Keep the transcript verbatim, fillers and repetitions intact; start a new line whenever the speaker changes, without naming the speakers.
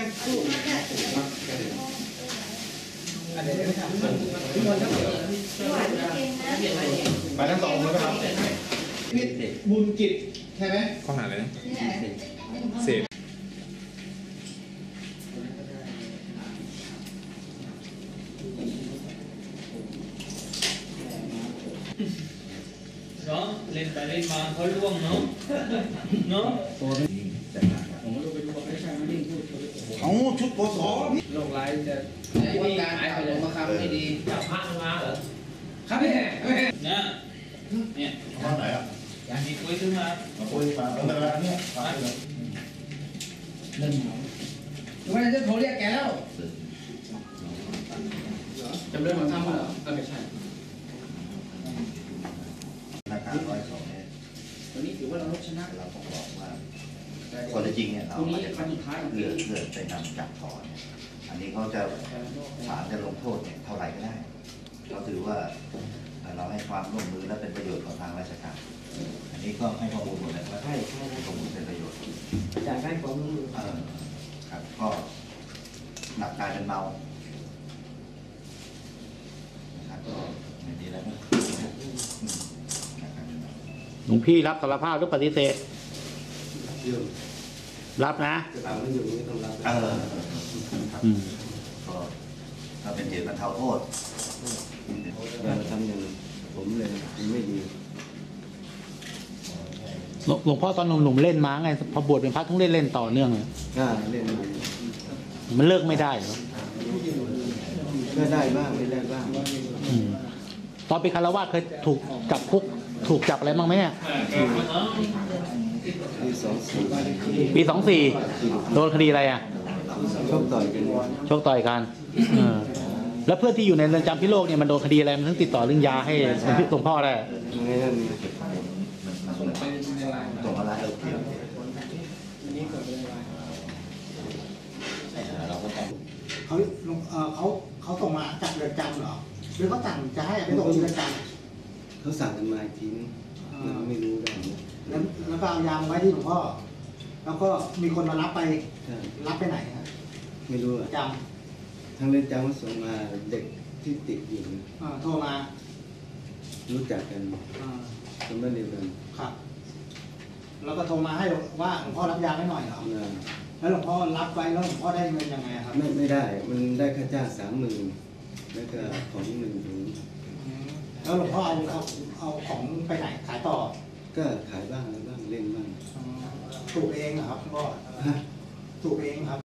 ไปทั้งสองเลยครับนี่บุญกิจใช่ไหมข้อหาอะไรนะเสพ
เนาะเล่นไปเล่นมาเขาล่วงเนาะเนาะ
เอาชุดปส
โรคร้ายจะ
ว่าการเอาลงมาคำไม่ดี
จับพระมาเหรอ
ครับพี่
นะเนี่ย
ข้อไหนอ่ะ
อย่างนี้คุยขึ้นมา
คุยมาตั้งแต่ละเนี่ย
เรื่องหนาววันนั้นจะโทรเรียกแกแล้วจำเรื่องของทำเหรอไม่ใช่
ราคาร้อยสองเนี่ย
วันนี้ถือว่าเราชนะ
เราต้องบอกว่าคนจริงเนี่ยเราไม่ได้เลือกเลือกไปนำจับถอนเนี่ยอันนี้เขาจะศาลจะลงโทษเนี่ยเท่าไหร่ก็ได้เราถือว่าเราให้ความร่วมมือและเป็นประโยชน์ของทางราชการอันนี้ก็ให้ข้อมูลหมดเลยว่าใช่ใช่ให้ข้อมูลเป็นประโยชน์
จากให้ความร่วมมือ
เออครับก็หนักกลายเป็นเบานะครับก็อย่างนี้แล้วนะ
หลวงพี่รับสารภาพหรือปฏิเสธรับนะ
เออก็ถ้าเป็นเหตุบรรเทาโทษ
ทำอย่างผมเลยไม่ดี
หลวงพ่อตอนหนุ่มๆเล่นม้าไงพอบวชเป็นพระต้องเล่นเล่นต่อเนื่องเลย
เล่น
มันเลิกไม่ได้หรอ
ก็ได้บ้างไม่ได้บ้าง
ตอนเป็นคารวะเคยถูกจับคุกถูกจับอะไรบ้างไหมเนี่ย
ปีสองสี่
ปีสองสี่โดนคดีอะไรอ่ะ
ชกต่อยกัน
ชกต่อยกันแล้วเพื่อนที่อยู่ในเรือนจำพิโลกเนี่ยมันโดนคดีอะไรมันถึงติดต่อเรื่องยาให้หลวงพ่อได้
ไม่ได้
ตรงอะไรเราเกี่ยว
เขาเขาเขาส่งมาจากเรือนจำเหรอหรือเขาสั่งจะให้ไปส่งที่เรือนจ
ำเขาสั่งกันมาอีกทีนึงไม่รู้ได้
แล้วแล้วก็เอายาไว้ที่หลวงพ่อแล้วก็มีคนมารับไปรับไปไหนครับ
ไม่รู้อะ
จ
ำทางเรือนจำเขาส่งมาเด็กที่ติดอยู่
โทรมา
รู้จักกันคนบ้านเดียวกัน
ครับแล้วก็โทรมาให้ว่าหลวงพ่อรับยาให้หน่อยเหรอแล้วหลวงพ่อรับไว้แล้วหลวงพ่อได้เงินยังไงครับ
ไม่ไม่ได้มันได้ค่าจ้างสามหมื่นแล้วก็ของหนึ่งถุง
แล้วหลวงพ่อเอาเอาเอาของไปไหนขายต่อ
ก็ขายบ้างอะไรบ้างเล่นบ้าง
ถูกเองเหรอครับหลวงพ่อถูกเองครับ